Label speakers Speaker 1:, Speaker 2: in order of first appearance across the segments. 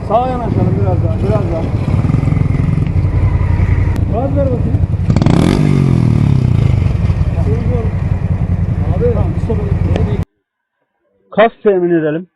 Speaker 1: Sağa yanaşalım biraz daha, biraz daha. Gaz ver bakayım. Abi, tamam, stop edelim. Kas temin edelim.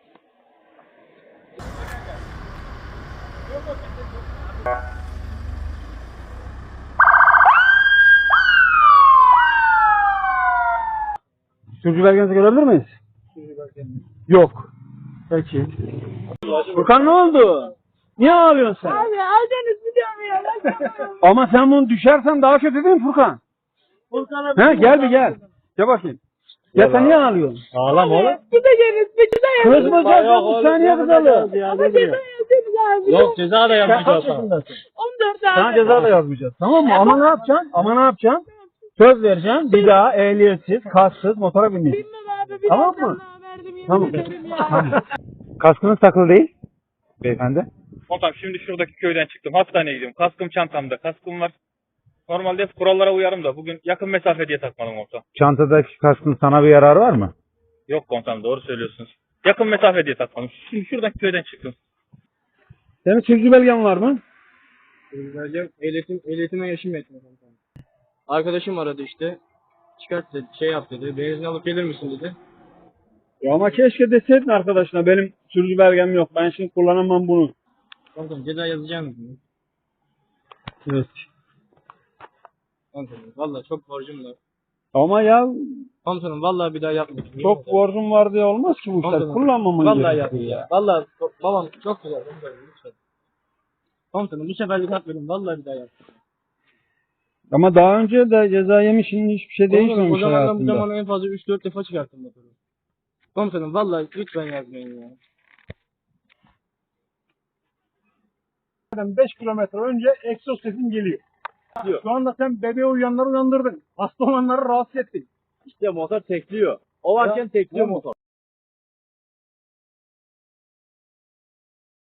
Speaker 1: Sürücü belgenizi görebilir miyiz? Sürücü belgenizi. Yok. Peki. Furkan ne oldu? Niye ağlıyorsun sen?
Speaker 2: Abi aldınız biliyorum ya.
Speaker 1: Ama sen bunu düşersen daha kötü değil mi Furkan?
Speaker 2: Furkan'a
Speaker 1: Gel bir gel. Gel bakayım. Ya sen niye ağlıyorsun?
Speaker 3: Ağlama oğlum.
Speaker 2: Gideceğiniz bir ceza yazın.
Speaker 1: Kızmayacağız ya bu saniye kızalım.
Speaker 2: Ama ceza yazın abi.
Speaker 3: Yok ceza da
Speaker 1: Sen kaç
Speaker 3: yapmayacağız.
Speaker 1: yaşındasın?
Speaker 2: 14 abi.
Speaker 1: Sana ceza da yazmayacağız. Tamam mı? Ama ne yapacaksın? Ama ne yapacaksın? Söz vereceğim. Bir daha ehliyetsiz, kassız motora binmeyeceksin.
Speaker 2: Bilmem abi. Bir
Speaker 1: Tamam
Speaker 2: daha
Speaker 1: mı?
Speaker 2: sana verdim, yemin
Speaker 1: Tamam.
Speaker 2: ederim ya.
Speaker 1: Tamam. Kaskınız takılı değil beyefendi.
Speaker 4: Komutanım şimdi şuradaki köyden çıktım. Hastaneye gidiyorum. Kaskım çantamda. Kaskım var. Normalde hep kurallara uyarım da bugün yakın mesafe diye takmadım komutanım.
Speaker 1: Çantadaki kaskın sana bir yararı var mı?
Speaker 4: Yok komutanım doğru söylüyorsunuz. Yakın mesafe diye takmadım. Şimdi şuradaki köyden çıktım.
Speaker 1: Senin sürücü belgen var mı?
Speaker 5: Ehliyetime yaşım yetmiyor komutanım. Arkadaşım aradı işte. Çıkart dedi, şey yap dedi. Benzin alıp gelir misin dedi.
Speaker 1: Ya ama keşke deseydin arkadaşına benim sürücü belgem yok. Ben şimdi kullanamam bunu.
Speaker 5: Komutanım ceza yazacağım mı?
Speaker 1: Evet.
Speaker 5: Komutanım valla çok borcum var.
Speaker 1: Ama ya
Speaker 5: Komutanım valla bir daha yapmayacağım.
Speaker 1: çok borcum var diye olmaz ki bu işler.
Speaker 5: Komutanım,
Speaker 1: Kullanmamın
Speaker 5: vallahi
Speaker 1: gerekiyor
Speaker 5: yapmayacağım.
Speaker 1: ya.
Speaker 5: Valla babam çok güzel komutanım lütfen. Komutanım bu seferlik yapmadım. Valla bir daha yapmayacağım.
Speaker 1: Ama daha önce de ceza yemişsin hiçbir şey
Speaker 5: Komutanım
Speaker 1: değişmemiş
Speaker 5: o zamandan bu
Speaker 1: hayatında.
Speaker 5: zamana en fazla 3-4 defa çıkarttım motoru. Komutanım valla lütfen yazmayın ya.
Speaker 6: 5 kilometre önce egzoz sesin geliyor. Şu anda sen bebeği uyuyanları uyandırdın. Hasta olanları rahatsız ettin.
Speaker 3: İşte motor tekliyor. O varken tekliyor motor.